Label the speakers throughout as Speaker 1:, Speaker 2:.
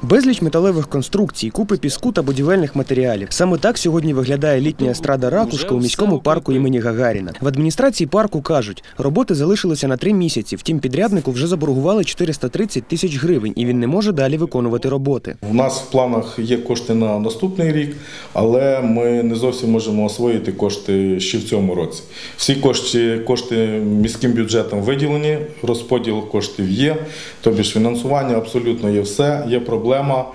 Speaker 1: Безліч металевих конструкцій, купи піску та будівельних матеріалів. Саме так сьогодні виглядає літня естрада «Ракушка» у міському парку імені Гагаріна. В адміністрації парку кажуть, роботи залишилися на 3 місяці, втім підряднику вже заборгували 430 тисяч гривень і він не може далі виконувати роботи.
Speaker 2: У нас в планах є кошти на наступний рік, але ми не зовсім можемо освоїти кошти ще в цьому році. Всі кошти міським бюджетом виділені, розподіл коштів є, тобі ж фінансування абсолютно є все, є проблема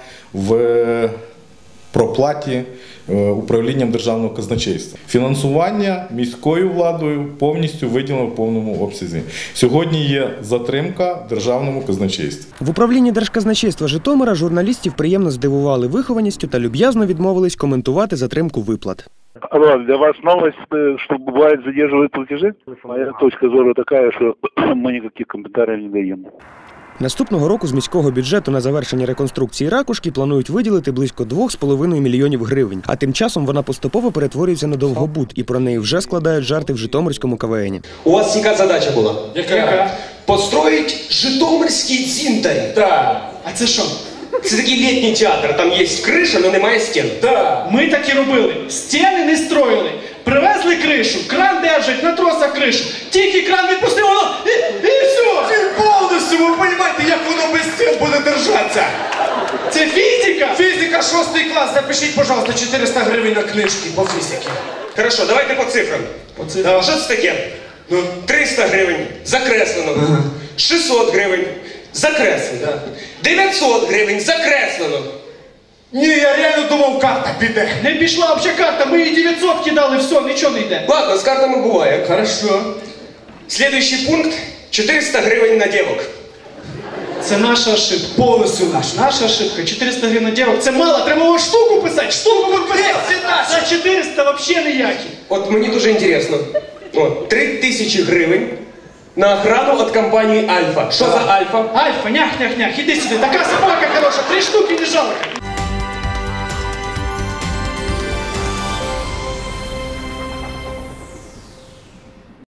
Speaker 2: в проплаті управлінням державного казначейства. Фінансування міською владою повністю виділено в повному обсязі. Сьогодні є затримка в державному казначействі.
Speaker 1: В управлінні Держказначейства Житомира журналістів приємно здивували вихованістю та люб'язно відмовились коментувати затримку виплат.
Speaker 3: Алло, для вас новость, что бывает задерживают платежи? Моя точка зрения такая, что мы никаких комментариев не даем.
Speaker 1: Наступного року з міського бюджету на завершення реконструкції «Ракушки» планують виділити близько 2,5 мільйонів гривень. А тим часом вона поступово перетворюється на довгобуд, і про неї вже складають жарти в Житомирському КВН.
Speaker 4: У вас яка задача була?
Speaker 5: Яка?
Speaker 4: Построїть Житомирський дзінтарь.
Speaker 5: Так. А це що?
Speaker 4: Це такий літній театр, там є криша, але немає стін.
Speaker 5: Так. Ми так і робили. Стіни не строїли. Привезли кришу, кран держать, на тросах кришу. Тільки кран відпустив, воно і все.
Speaker 6: Повністю, ви розумієте, як воно без стін буде держатися?
Speaker 5: Це фізика?
Speaker 6: Фізика 6 клас, запишіть, пожалуйста, 400 гривень на книжки по фізиці.
Speaker 4: Хорошо, давайте по цифрам. Да, що це таке? 300 гривень закреслено. 600 гривень закреслено. 900 гривень закреслено.
Speaker 6: Ні, я реально думав, карта піде.
Speaker 5: Не пішла взагалі карта, ми їй 900 кидали, все, нічого не йде.
Speaker 4: Ладно, з картами буває.
Speaker 6: Хорошо.
Speaker 4: Слідуючий пункт – 400 гривень на дівок.
Speaker 5: Це наша ошибка.
Speaker 6: Повністю наш.
Speaker 5: Наша ошибка. 400 гривень на дівок. Це мало, треба було штуку писати. Штуку писати. За 400 взагалі ніякі.
Speaker 4: От мені дуже інтересно. 3000 гривень на охрану від компанії «Альфа». Що за «Альфа»?
Speaker 5: Альфа, нях-нях-нях, іди сюди. Така собака хороша, 3 штуки не жалко.